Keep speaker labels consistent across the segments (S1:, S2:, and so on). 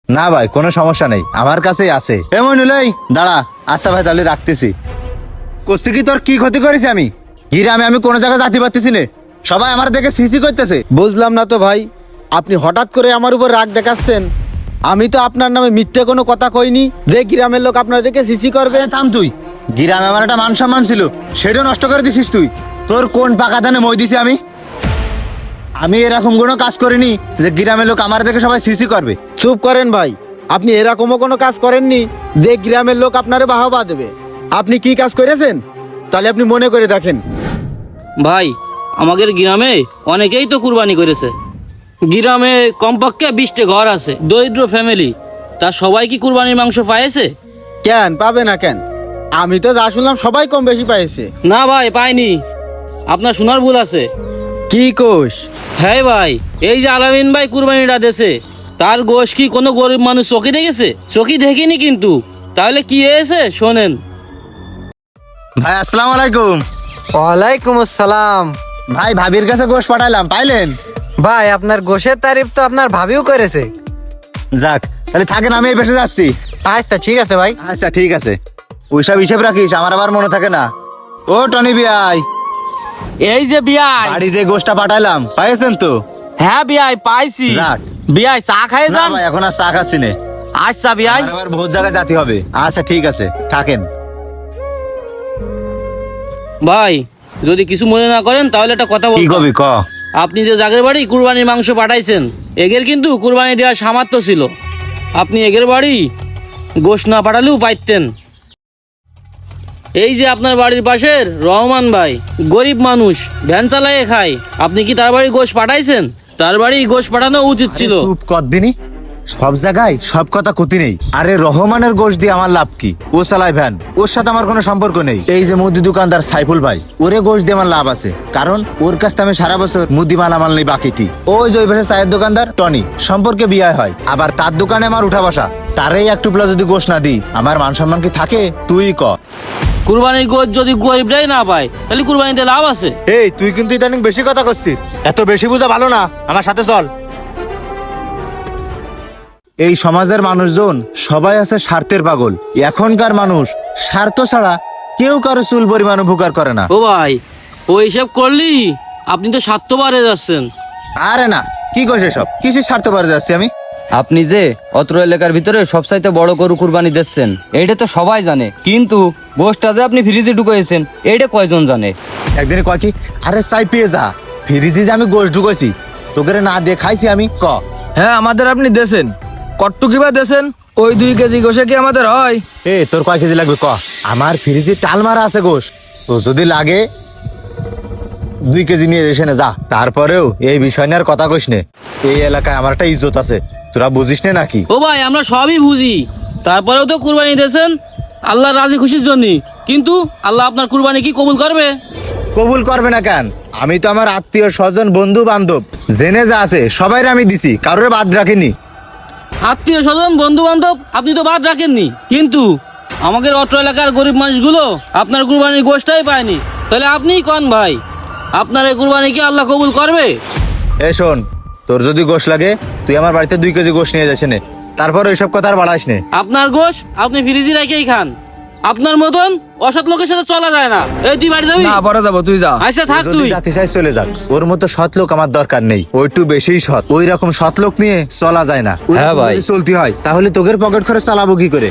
S1: না ভাই, কোনো সমস্যা নেই, আমার কাছেই আছে। এমন হলেই দাঁড়া। আচ্ছা ভাই, তাহলে রাখতেছি। করছি কি, তোর কি ক্ষতি করেছি আমি? গ্রামে আমি কোনো জায়গায় যাতে পারতেছি না, সবাই আমার দেখে সিসি করতেছে।
S2: বুঝলাম না তো ভাই, আপনি হঠাৎ করে আমার উপর রাগ দেখাচ্ছেন। আমি তো আপনার নামে মিথ্যে কোনো কথা কইনি যে গ্রামের লোক আপনার দেখে সিসি করবে।
S1: থাম তুই। গ্রামে আমার একটা মান সম্মান ছিল, সেটাও নষ্ট করে দিছিস তুই। তোর কোন পাকা ধানে মই দিছি আমি? আমি এরকম কোনো কাজ করিনি যে গ্রামের লোক আমার দেখে সবাই সিসি করবে।
S2: চুপ করেন ভাই, আপনি এরকমও কোনো কাজ করেননি যে গ্রামের লোক আপনারে বাহবা দেবে। আপনি কি কাজ করেছেন তাহলে আপনি মনে করে দেখেন।
S3: ভাই, আমাদের গ্রামে অনেকেই তো কুরবানি করেছে। গ্রামে কমপক্ষে 20টা ঘর আছে, দরিদ্র ফ্যামিলি। তা সবাই কি কুরবানির মাংস পাইছে?
S2: কেন পাবে না কেন? আমি তো যা শুনলাম সবাই কম বেশি পাইছে।
S3: না ভাই, পাইনি। আপনার শোনার ভুল আছে।
S2: কি কোষ?
S3: হ্যাঁ ভাই, এই যে আলামিন ভাই কুরবানিটা দেছে, তার গোশ কি কোনো গরিব মানুষ চোখে দেখেছে? চোখে দেখিনি কিন্তু। তাহলে কি হয়েছে শোনেন।
S1: ভাই আসসালামু আলাইকুম।
S4: ওয়ালাইকুম আসসালাম।
S1: ভাই, ভাবির কাছে গোশ পাঠাইলাম, পাইলেন?
S4: ভাই, আপনার গোশের তারিফ তো আপনার ভাবিও করেছে।
S1: যাক, তাহলে থাকেন, আমি এই বেসে যাচ্ছি।
S4: আচ্ছা ঠিক আছে ভাই।
S1: আচ্ছা ঠিক আছে। ওইসব হিসেব রাখিস, আমার আবার মনে থাকে না। ও টনি বিয়াই,
S3: এই যে বিয়াই।
S1: বাড়ি যে গোশটা পাঠাইলাম পাইছেন তো?
S3: হ্যাঁ বিয়াই, পাইছি।
S1: যাক।
S3: বিয়াই, চা খাই
S1: না ভাই, এখন আর চা খাচ্ছি না।
S3: আচ্ছা বিয়াই।
S1: আমার আবার বহুত জায়গায় যেতে হবে। আচ্ছা ঠিক আছে, থাকেন।
S3: ভাই, যদি কিছু মনে না করেন তাহলে একটা কথা
S1: কি
S3: বলবো।
S1: কবি ক।
S3: আপনি যে জাগের বাড়ি কুরবানির মাংস পাঠাইছেন, এগের কিন্তু কুরবানি দেওয়ার সামর্থ্য ছিল। আপনি এগের বাড়ি গোশ না পাঠালেও পাইতেন। এই যে আপনার বাড়ির পাশের রহমান ভাই, গরিব মানুষ, ভ্যান চালাইয়ে খায়। আপনি কি তার বাড়ি গোশ পাঠাইছেন? তার বাড়ি গোশ পাঠানো উচিত ছিল।
S1: চুপ কর দিনি। সব জায়গায় সব কথা ক্ষতি নেই। আরে রহমানের গোশ দিয়ে আমার লাভ কি? ও চালায় ভ্যান, ওর সাথে আমার কোনো সম্পর্ক নেই। এই যে মুদি দোকানদার সাইফুল ভাই, ওরে গোশ দিয়ে আমার লাভ আছে, কারণ ওর কাছ থেকে আমি সারা বছর মুদি মালামাল নেই বাকিতি। ওই যে ওই পাশে চায়ের দোকানদার টনি, সম্পর্কে বিয়ে হয়, আবার তার দোকানে আমার উঠা বসা। তারই এক টুকলা যদি গোশ না দিই, আমার মান সম্মান কি থাকে? তুই ক।
S3: কুরবানির গোশ যদি গরিবরাই না পায়, তাহলে কুরবানিতে লাভ আছে?
S1: এই তুই কিন্তু ইদানিং বেশি কথা করছিস, এত বেশি বোঝা ভালো না। আমার সাথে চল। এই সমাজের মানুষজন সবাই আছে স্বার্থের পাগল। এখনকার মানুষ স্বার্থ ছাড়া কেউ কারো চুল পরিমাণ উপকার করে না।
S3: ও ভাই, ও হিসাব করলি আপনি তো স্বার্থবারে যাচ্ছেন।
S1: আরে না, কি করছে সব? কিসের স্বার্থ পারে যাচ্ছি আমি?
S5: আপনি যে অত্র এলাকার ভিতরে সবচাইতে বড় গরু কুরবানি দিচ্ছেন, এইটা তো সবাই জানে, কিন্তু গোশটা যে আপনি ফ্রিজে ঢুকাইছেন এইটা কয়জন জানে?
S1: একদিনে কয় কি, আরে চাই পেয়ে যা, ফ্রিজে যে আমি গোশ ঢুকাইছি, তোকে না দিয়ে খাইছি আমি? ক।
S6: হ্যাঁ, আমাদের আপনি দেছেন কট্টু কিবা দেছেন? ওই 2 কেজি গোশে কি আমাদের হয়?
S1: এ তোর কয় কেজি লাগবে ক? আমার ফ্রিজে টাল মারা আছে গোশ, তো যদি লাগে 2 কেজি নিয়ে এসে নে যা। তারপরেও এই বিষয় নিয়ে আর কথা কইস নে। এই এলাকায় আমার একটা ইজ্জত আছে, তোরা বুঝিস নে নাকি?
S3: ও ভাই, আমরা সবই বুঝি। তারপরেও তো কুরবানি দিয়েছেন আল্লাহর রাজি খুশির জন্য। কিন্তু আল্লাহ আপনার কুরবানি কি কবুল করবে?
S1: কবুল করবে না কেন? আমি তো আমার আত্মীয় স্বজন বন্ধু বান্ধব জেনে যা আছে সবাই আমি দিছি, কারোর বাদ রাখিনি।
S3: আত্মীয় স্বজন বন্ধু বান্ধব আপনি তো বাদ রাখেননি, কিন্তু আমাদের অত্র এলাকার গরিব মানুষগুলো আপনার কুরবানির গোশটাই পায়নি। তাহলে আপনিই কন ভাই, আপনার এই কুরবানি কি আল্লাহ কবুল করবে?
S1: এ শোন, তোর যদি গোশ লাগে তুই আমার বাড়িতে 2 কেজি গোশ নিয়ে যাস নে, তারপর ওইসব কথা আর বাড়াইস নে।
S3: আপনার গোশ আপনি ফ্রিজে রেখেই খান। আপনার মতন অসৎ লোকের সাথে চলা যায় না। এই তুই বাড়ি যাবি?
S6: না, পরে যাবো, তুই যা।
S3: আচ্ছা থাক
S1: যদি
S3: তুই।
S1: জাতি চাই চলে যাক, ওর মতো সৎ লোক আমার দরকার নেই। ও একটু বেশিই সৎ, ওই রকম সৎ লোক নিয়ে চলা যায় না। ওই
S5: হ্যাঁ
S1: রকম
S5: ভাই।
S1: যদি চলতে হয় তাহলে তোদের পকেট খরচ চালাবো কি করে?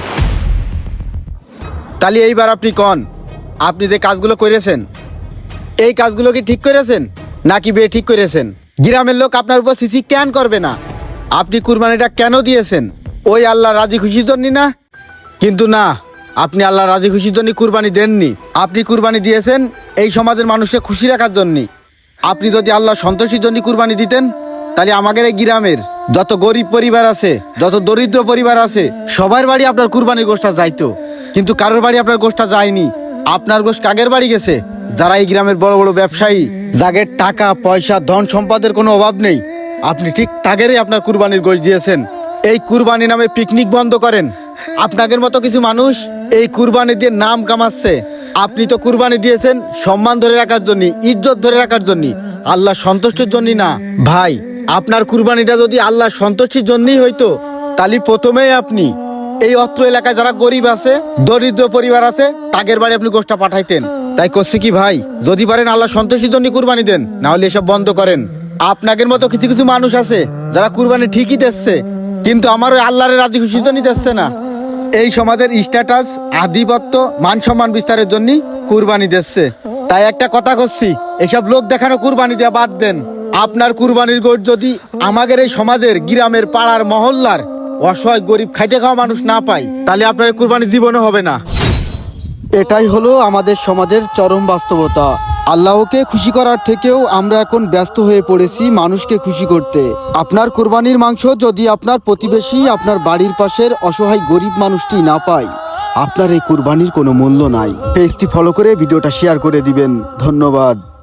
S2: তাহলে এইবার আপনি কন, আপনি যে কাজগুলো করেছেন এই কাজগুলো কি ঠিক করেছেন নাকি বে ঠিক করেছেন? গ্রামের লোক আপনার উপর সিসি কেন করবে না? আপনি কুরবানিটা কেন দিয়েছেন? ওই আল্লাহ রাজি খুশির জন্য না? কিন্তু না, আপনি আল্লাহ রাজি খুশির জন্য কুরবানি দেননি। আপনি কুরবানি দিয়েছেন এই সমাজের মানুষকে খুশি রাখার জন্য। আপনি যদি আল্লাহ সন্তোষীর জন্য কুরবানি দিতেন, তাহলে আমাদের এই গ্রামের যত গরিব পরিবার আছে, যত দরিদ্র পরিবার আছে, সবার বাড়ি আপনার কুরবানির গোশটা যাইতো। কিন্তু কারোর বাড়ি আপনার গোশটা যায়নি। আপনার গোশ কাগের বাড়ি গেছে? যারা এই গ্রামের বড় বড় ব্যবসায়ী, যাদের টাকা পয়সা ধন সম্পদের কোনো অভাব নেই, আপনি ঠিক তাগেরই আপনার কুরবানির গোশ দিয়েছেন। এই কুরবানি নামে পিকনিক বন্ধ করেন। আপনাদের মতো কিছু মানুষ এই কুরবানি দিয়ে নাম কামাচ্ছে। আপনি তো কুরবানি দিয়েছেন সম্মান ধরে রাখার জন্য, ইজ্জত ধরে রাখার জন্য, আল্লাহ সন্তুষ্টির জন্য না। ভাই, আপনার কুরবানিটা যদি আল্লাহ সন্তুষ্টির জন্যই হইতো, তাহলে প্রথমেই আপনি এই অত্র এলাকায় যারা গরিব আছে, দরিদ্র পরিবার আছে, তাদের বাড়ি আপনি গোষ্ঠটা পাঠাইতেন। তাই করছি কি ভাই, যদি পারেন আল্লাহ সন্তোষীর জন্য কুরবানি দেন, না হলে এসব বন্ধ করেন। আপনাদের মতো কিছু কিছু মানুষ আছে যারা কুরবানি ঠিকই দিচ্ছে, কিন্তু আমার ওই আল্লাহর রাজি খুশি তো নিতেছে না। এই সমাজের স্ট্যাটাস, আধিপত্য, মান সম্মান বিস্তারের জন্য কুরবানি দিচ্ছে। তাই একটা কথা করছি, এসব লোক দেখানো কুরবানি দেওয়া বাদ দেন। আপনার কুরবানির গোশত যদি আমাদের এই সমাজের, গ্রামের, পাড়ার, মহল্লার অসহায় গরিব খাইতে খাওয়া মানুষ না পায়, তাহলে আপনার এই কুরবানি জীবনও হবে না।
S7: এটাই হলো আমাদের সমাজের চরম বাস্তবতা। আল্লাহকে খুশি করার থেকেও আমরা এখন ব্যস্ত হয়ে পড়েছি মানুষকে খুশি করতে। আপনার কুরবানির মাংস যদি আপনার প্রতিবেশী, আপনার বাড়ির পাশের অসহায় গরিব মানুষটি না পায়, আপনার এই কুরবানির কোনো মূল্য নাই। পেজটি ফলো করে ভিডিওটা শেয়ার করে দিবেন। ধন্যবাদ।